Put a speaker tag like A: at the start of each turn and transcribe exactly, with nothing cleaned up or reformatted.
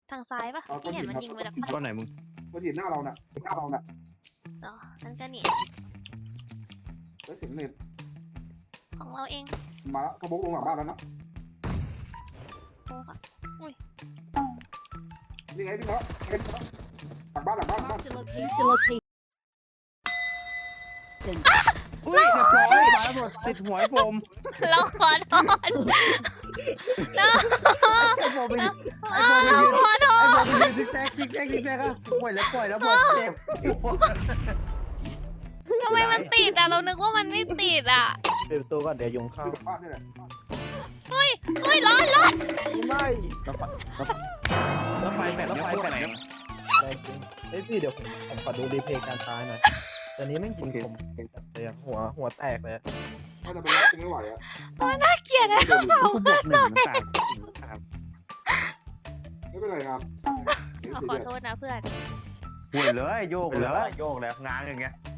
A: ทางซ้ายปะพี่เห็นมันยิงมาจาก
B: ก้อนไหนมึง
C: ก็เห็นหน้าเราน่ะหน้าเราน่ะ
A: ต่อนั่นก็นี่
C: แล้วเสียงเน็ต
A: ของเราเอง
C: มาแล้วกระโบกลงหลังบ้านแล้วนะ
A: โอ้ค่ะ
C: นี่ไงพี่เขาเห็นหลังบ้านหลังบ้านหลังบ้าน
D: Marked a location. Location.
B: อุ้ยเรียบร้อยมาหมดติดหัวไอ้โฟม
A: เราขอโทษเรา
B: ไอ้โฟมไป
A: เราขอโท
B: ไอ้
A: ษ
B: โฟมไปซิกแซกซิกแซกซิกแซกอะปล่อยแล้วปล่อยแล้วหมดเจ็บ
A: ทำไมมันติดอ่ะเรานึกว่ามันไม่ติดอ่ะ
B: ปิดประตูก่อนเดี๋ยวยุงเข้า
C: อยู่หลังบ้านนี่แหละ
A: เฮ้ยเฮ้ยร้อนร้อน
B: ไม่แล้วไฟแบตแล้วไฟแบตแรงจริงเอ้ยพี่เดี๋ยวผมผมขอดูรีเพลย์การตายหน่อยตอนนี้แม่งยิงผมเลยอะหัวหัวแตกเลย
C: ถ้าจะไปรับไม่ไหวอ่ะ
A: น่าเกลียดนะ
C: เดินอยู่
B: กูบวกหนึ่งสามสาม
C: ไม่เป็นไรครับ
A: ขอโทษนะเพื่อน
B: ห่วยเลยโยกเลยโยกแล้วง้างอย่างเงี้ย